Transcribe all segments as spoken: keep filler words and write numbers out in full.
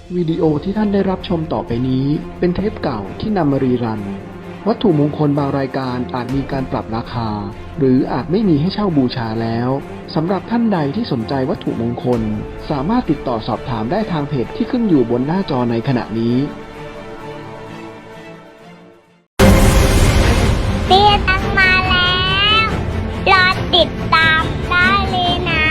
วิดีโอที่ท่านได้รับชมต่อไปนี้เป็นเทปเก่าที่นำมารีรันวัตถุมงคลบางรายการอาจมีการปรับราคาหรืออาจไม่มีให้เช่าบูชาแล้วสำหรับท่านใดที่สนใจวัตถุมงคลสามารถติดต่อสอบถามได้ทางเพจที่ขึ้นอยู่บนหน้าจอในขณะนี้เตี้ยตังมาแล้วรอติดตามได้เลยนะ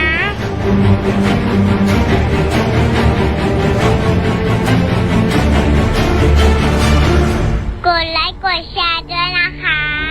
กดไลค์กดแชร์ด้วยนะคะ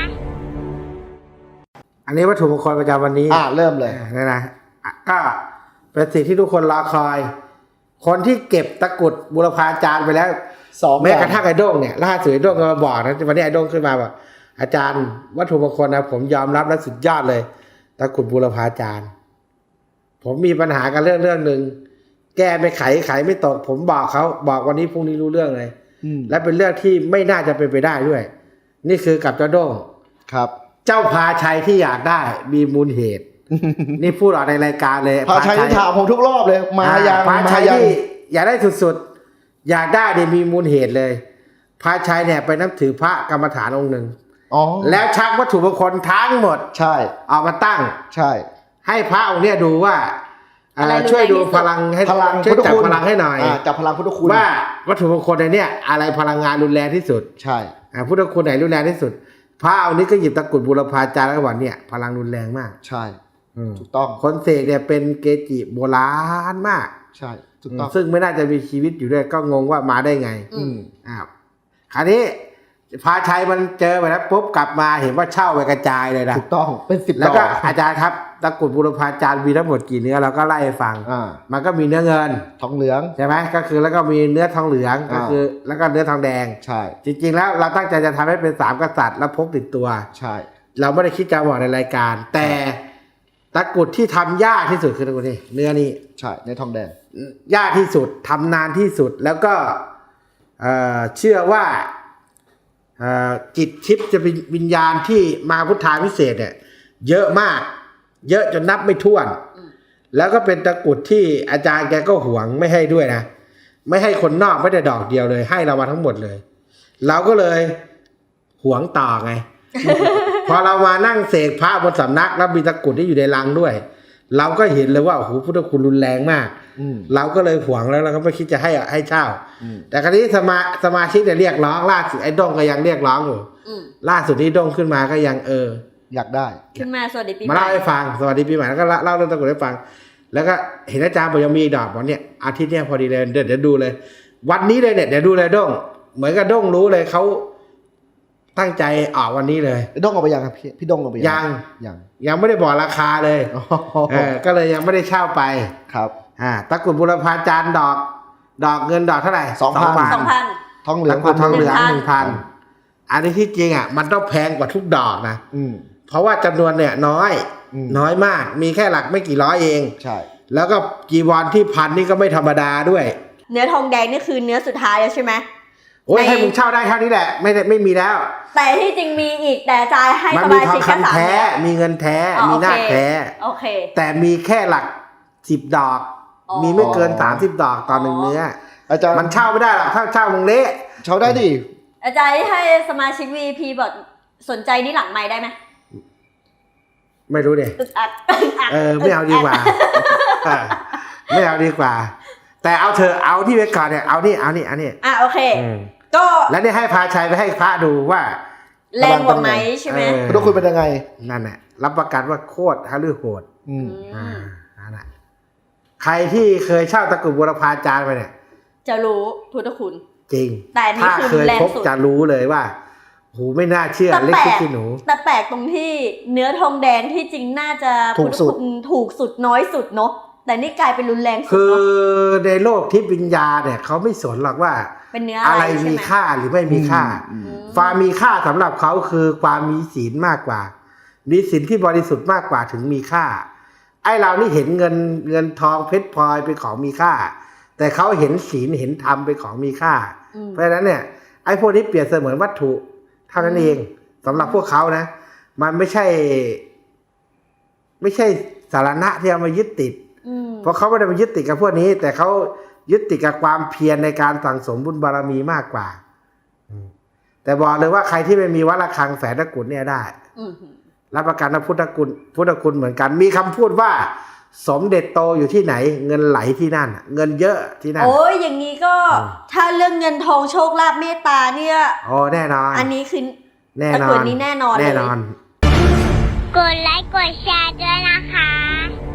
อันนี้วัตถุมงคลประจำวันนี้อ่าเริ่มเลยนะนะก็เป็นสิ่งที่ทุกคนรอคอย คนที่เก็บตะกรุดบุรพาจารย์ไปแล้วสองแม้กระทั่งไอ้โด้งเนี่ยล่าสุดไอ้โด้งก็มาบอกนะวันนี้ไอ้โด้งขึ้นมาบอกอาจารย์วัตถุมงคลนะผมยอมรับและสุดยอดเลยตะกรุดบุรพาจารย์ผมมีปัญหากันเรื่องเรื่องหนึ่งแก้ไม่ไขไขไม่ตกผมบอกเขาบอกวันนี้พรุ่งนี้รู้เรื่องเลยและเป็นเรื่องที่ไม่น่าจะเป็นไปได้ด้วยนี่คือกับเจ้าโด้งครับเจ้าพาชัยที่อยากได้มีมูลเหตุ นี่พูดออกในรายการเลยพาชัยที่ถามผมทุกรอบเลยมายังพาชัยที่อยากได้สุดๆอยากได้เนี่ยมีมูลเหตุเลยพาชัยเนี่ยไปนับถือพระกรรมฐานองค์หนึ่งแล้วชักวัตถุมงคลทั้งหมดใช่ออกมาตั้งใช่ให้พระองค์เนี่ยดูว่าช่วยดูพลังให้พลังช่วยจับพลังให้หน่อยจับพลังพุทธคุณว่าวัตถุมงคลในเนี่ยอะไรพลังงานรุนแรงที่สุดใช่พุทธคุณไหนรุนแรงที่สุดพระองค์นี้ก็หยิบตะกรุดบุรพาจารย์แล้วก็บอกเนี่ยพลังรุนแรงมากใช่ถูกต้องคนเสกเนี่ยเป็นเกจิโบราณมากใช่ถูกต้องซึ่งไม่น่าจะมีชีวิตอยู่ด้วยก็งงว่ามาได้ไงอืมอ้าวคราวนี้พาชัยมันเจอไปแล้วปุ๊บกลับมาเห็นว่าเช่าไปกระจายเลยนะถูกต้องเป็นสิบแล้วก็อาจารย์ครับตะกรุดบุรพาจารย์มีทั้งหมดกี่เนื้อเราก็ไล่ให้ฟังอ่ามันก็มีเนื้อเงินทองเหลืองใช่ไหมก็คือแล้วก็มีเนื้อทองเหลืองก็คือแล้วก็เนื้อทองแดงใช่จริงๆแล้วเราตั้งใจจะทำให้เป็นสามกษัตริย์แล้วพกติดตัวใช่เราไม่ได้คิดจะบอกในรายการแต่ตะกรุดที่ทำยากที่สุดคือตะกรุดนี่เนื้อนี้ใช่ในทองแดงยากที่สุดทำนานที่สุดแล้วก็เอ่อเชื่อว่าเอ่อจิตทิพย์จะเป็นวิญญาณที่มาพุทธาพิเศษเนี่ยเยอะมากเยอะจนนับไม่ถ้วนแล้วก็เป็นตะกรุดที่อาจารย์แกก็หวงไม่ให้ด้วยนะไม่ให้คนนอกไม่ได้ดอกเดียวเลยให้เรามาทั้งหมดเลยเราก็เลยหวงต่อไง พอเรามานั่งเสกพระบนสำนักแล้วมีตะกรุดที่อยู่ในลังด้วยเราก็เห็นเลยว่าโอ้โหพุทธคุณรุนแรงมากเราก็เลยหวงแล้วเราก็ไม่คิดจะให้ให้เช่าแต่คราวนี้สมาสมาชิกเนี่ยเรียกร้องล่าสุดไอ้ด้งก็ยังเรียกร้องอยู่ล่าสุดที่ด้งขึ้นมาก็ยังเอออยากได้ขึ้นมาสวัสดีปีใหม่มาเล่าให้ฟังสวัสดีปีใหม่แล้วก็เล่าเรื่องตะกรุดให้ฟังแล้วก็เห็นอาจารย์บอกยังมีดอกบอกเนี่ยอาทิตย์เนี้ยพอดีเลยเดี๋ยวเดี๋ยวดูเลยวันนี้เลยเนี่ยเดี๋ยวดูเลยด้งเหมือนกับด้งรู้เลยเขาตั้งใจออกวันนี้เลยด้งเอาไปยังครับพี่พี่ด้งเอาไปยังยังยังไม่ได้บอกราคาเลยเออก็เลยยังไม่ได้เช่าไปครับอ่าตะกรุดบุรพาจารย์ดอกดอกเงินดอกเท่าไหร่สองพันสองพันทองเหลืองทองเหลืองหนึ่งพันอันนี้ที่จริงอ่ะมันต้องแพงกว่าทุกดอกนะอืมเพราะว่าจำนวนเนี่ยน้อยน้อยมากมีแค่หลักไม่กี่ร้อยเองใช่แล้วก็จีวรที่พันนี่ก็ไม่ธรรมดาด้วยเนื้อทองแดงนี่คือเนื้อสุดท้ายแล้วใช่ไหมโอ้ยให้มึงเช่าได้เท่านี้แหละไม่ได้ไม่มีแล้วแต่ที่จริงมีอีกแต่จ่ายให้สมาชิกแค่สามแท้มีเงินแท้มีหน้าแท้โอเคแต่มีแค่หลักสิบดอกมีไม่เกินสามสิบดอกต่อหนึ่งเนื้ออาจารย์มันเช่าไม่ได้หรอกถ้าเช่ามึงเละเช่าได้ดิอาจารย์ให้สมาชิก วี ไอ พี บอกสนใจนี่หลังไมค์ได้ไหมไม่รู้เด็เออไม่เอาดีกว่าไม่เอาดีกว่าแต่เอาเธอเอาที่ไว้ก่อนเนี่ยเอานี่เอานี่อันนี้อ่ะโอเคก็แล้วนี่ให้พาชัยไปให้พระดูว่าแรงกว่าไหมใช่ไหมต้องคุยเป็นยังไงนั่นแหละรับประกันว่าโคตรฮะลือโหดอืมอ่านั่นแหละใครที่เคยเช่าตะกรุดบุรพาจารย์ไปเนี่ยจะรู้พุทธคุณจริงแต่นี่คือแรงสุดจะรู้เลยว่าโหไม่น่าเชื่อเล็กที่หนูแต่แปลกตรงที่เนื้อทองแดงที่จริงน่าจะถูกสุดถูกสุดน้อยสุดเนาะแต่นี่กลายเป็นรุนแรงสุดคือในโลกทิพย์วิญญาณเนี่ยเขาไม่สนหรอกว่าเป็นเนื้ออะไรมีค่าหรือไม่มีค่าความมีค่าสำหรับเขาคือความมีศีลมากกว่ามีศีลที่บริสุทธิ์มากกว่าถึงมีค่าไอ้เรานี่เห็นเงินเงินทองเพชรพลอยเป็นของมีค่าแต่เขาเห็นศีลเห็นธรรมเป็นของมีค่าเพราะฉะนั้นเนี่ยไอ้พวกนี้เปรียบเสมือนวัตถุเท่านั้นเองสำหรับพวกเขานะมันไม่ใช่ไม่ใช่สาระที่เอามายึดติดเพราะเขาไม่ได้มายึดติดกับพวกนี้แต่เขายึดติดกับความเพียรในการสั่งสมบุญบารมีมากกว่าอืมแต่บอกเลยว่าใครที่ไม่มีวัดระฆังแฝดตะกรุดเนี่ยได้อือหือรับประกันว่าพุทธคุณพุทธคุณเหมือนกัน มีคำพูดว่า สมเด็จโตอยู่ที่ไหน เงินไหลที่นั่น เงินเยอะที่นั่นโอ้ยอย่างนี้ก็อืมถ้าเรื่องเงินทองโชคลาภเมตตาเนี่ยอ๋อแน่นอนอันนี้คือแน่นอตะกรุดนนี้แน่นอนเลยแน่นอนกดไลค์กดแชร์ด้วยนะคะ